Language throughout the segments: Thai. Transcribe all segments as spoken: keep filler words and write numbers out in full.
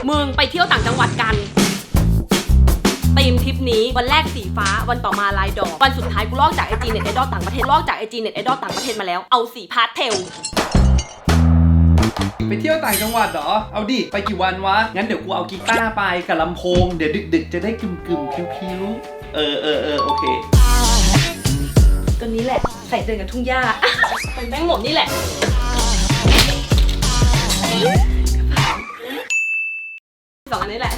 มึงไปเที่ยวต่างจังหวัดกันธีมทริปนี้วันแรกสีฟ้าวันต่อมาลายดอกวันสุดท้ายกูลอกจากไอจีเน็ตไอดอลต่างประเทศลอกจากไอจีเน็ตไอดอลต่างประเทศมาแล้วเอาสีพาสเทลไปเที่ยวต่างจังหวัดเหรอเอาดิไปกี่วันวะงั้นเดี๋ยวกูเอากีตาร์ไปกับลำโพงเดี๋ยวดึกๆจะได้กึ่มกึ่มพิวๆเออเออเออโอเคตัวนี้แหละใส่เดินกับทุ่งหญ้าเป็นแป้งหมดนี่แหละสองอันนี้แหละ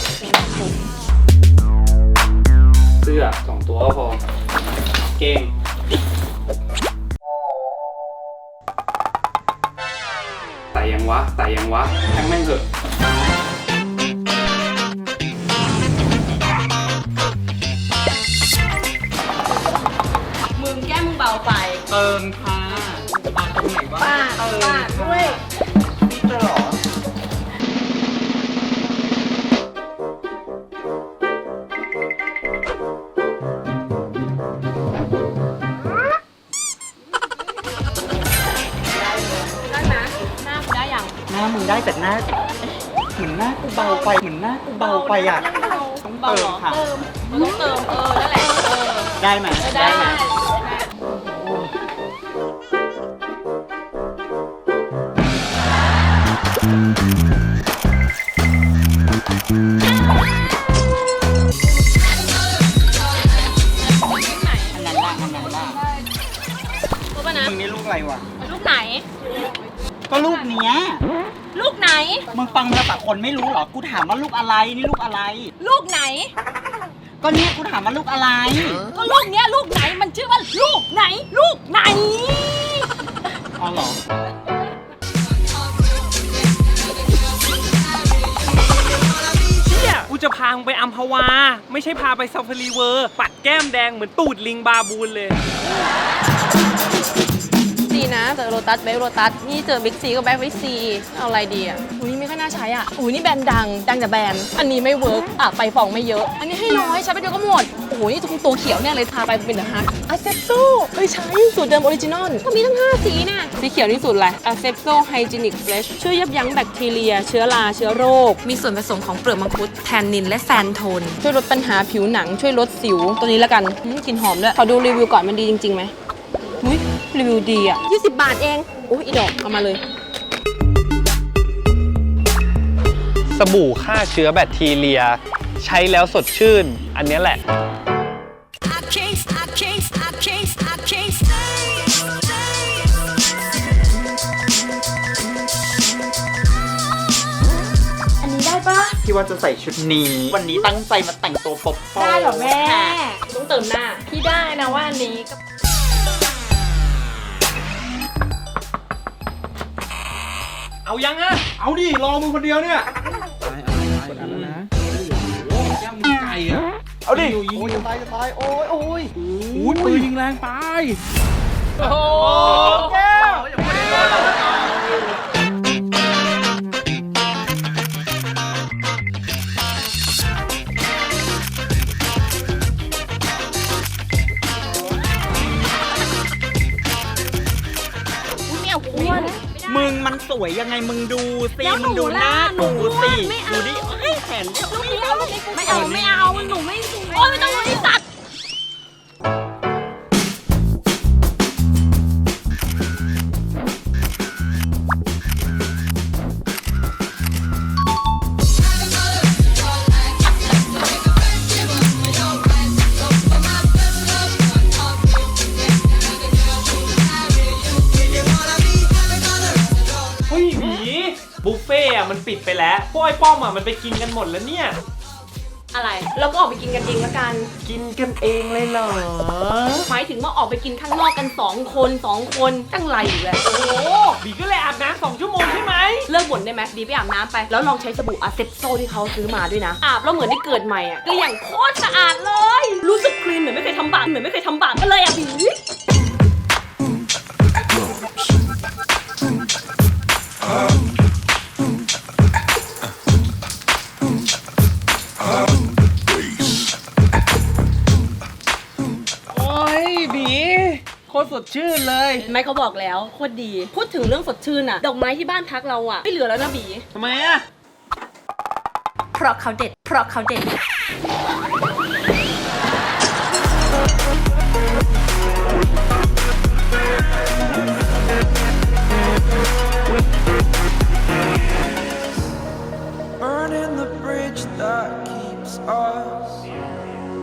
เสื้อสองตัวก็พอเก่งใส่ยังวะใส่ยังวะทั้งแม่งเถอะมึงแก้มึงเบาไปเติมค่ะมาตรงไหนวะป้าป้าด้วยนี่จะหรอหน้ามึงได้แต่หน้าเหมือนหน้ากูเบาไปเหมือนหน้ากูเบาไปอ่ะต้องเติมค่ะเติมต้องเติมเออนั่นแหละเออได้ไหมได้ไหมอันนั้นล่ะอันนั้นล่ะรู้ป่ะนะมึงนี่ลูกอะไรวะลูกไหนก็ลูกเนี้ยลูกไหนมึงฟังภาษาคนไม่รู้หรอกูถามว่าลูกอะไรนี่ลูกอะไรลูกไหนก็เนี้ยกูถามว่าลูกอะไรก็ลูกเนี้ยลูกไหนมันชื่อว่าลูกไหนลูกไหนอ๋อเหรอเชี่ยกูจะพาไปอัมพวาไม่ใช่พาไปซาฟารีเวอร์ปัดแก้มแดงเหมือนตูดลิงบาบูนเลยดีนะเจอโรตัสแบ็คโรตัสนี่เจอบิ๊กซีก็แบ็คบิ๊กซีเอาอะไรดีอ่ะอุ้ยนี่ไม่ค่อยน่าใช้อ่ะอุ้ยนี่แบรนด์ดังดังจากแบรนด์อันนี้ไม่เวิร์กอ่ะไปฟองไม่เยอะอันนี้ให้น้อยใช้ไปเดียวก็หมดโอ้ยนี่ตัวเขียวเนี่ยเลยทาไปเป็นเดอะฮักอาเซปโซเฮ้ยใช้สูตรเดิมออริจินอลก็มีทั้งห้าสีน่ะสีเขียวนี่สูตรอะไรอาเซปโซไฮจีนิกเฟรชช่วยยับยั้งแบคทีเรียเชื้อราเชื้อโรคมีส่วนผสมของเปลือกมังคุดแทนนินและแซนโทนช่วยลดปัญหาผิวหนังช่วยลดสิวตัวนี้แล้วกันกลิ่นหอมด้วยขอดูรีวิวก่อนมันดีจริงๆไหมอุ้ยรีวิวดีอ่ะยี่สิบบาทเองโอ้ยอีดอกเอามาเลยสบู่ฆ่าเชื้อแบคทีเรียใช้แล้วสดชื่นอันนี้แหละอันนี้ได้ปะที่ว่าจะใส่ชุดนี้วันนี้ตั้งใจมาแต่งตัวป๊อปๆได้เหรอแม่ต้องเติมหน้าพี่ได้นะว่าอันนี้ก็เอายังอะเอาดิรอมึงคนเดียวเนี่ยตายอะไรกดอันแล้วนะโอ้โหแก้มมึงไก่อะเอาดิโอ้ยจะตายจะตายโอ้ยโอ้ยโอ้ยปืนยิงแรงไปโอ้โหแก้วมึงมันสวยยังไงมึงดูสิมึงดูหน้าดูสิดูดิเฮ้ยแขนไม่เอาไม่เอาไม่เอาหนูไม่สวยโอ้ยไม่ต้องรู้ที่สัตว์บุฟเฟ่อะมันปิดไปแล้วพวกไอ้ป้อมอะมันไปกินกันหมดแล้วเนี่ยอะไรเราก็ออกไปกินกันเองละกันกินกันเองเลยเหรอหมายถึงว่าออกไปกินข้างนอกกันสองคนสองคนตั้งไรอยู่แล้วโอ้บีก็เลยอาบน้ำสองชั่วโมงใช่ไหมเลิกบ่นได้ไหมบีไปอาบน้ำไปแล้วลองใช้สบู่อาเซปโซที่เขาซื้อมาด้วยนะอาบแล้วเหมือนได้เกิดใหม่อะก็อย่างโคตรสะอาดเลยรู้สึกคลีนเหมือนไม่เคยทำบาปเหมือนไม่เคยทำบาปกันเลยอะบีตรสดชื่นเลยไม่เขาบอกแล้วโคตรดีพูดถึงเรื่องสดชื่นอะดอกไม้ที่บ้านพักเราอะไม่เหลือแล้วนะบีทำไมอะเพราะเขาเด็ดเพราะเขาเด็ด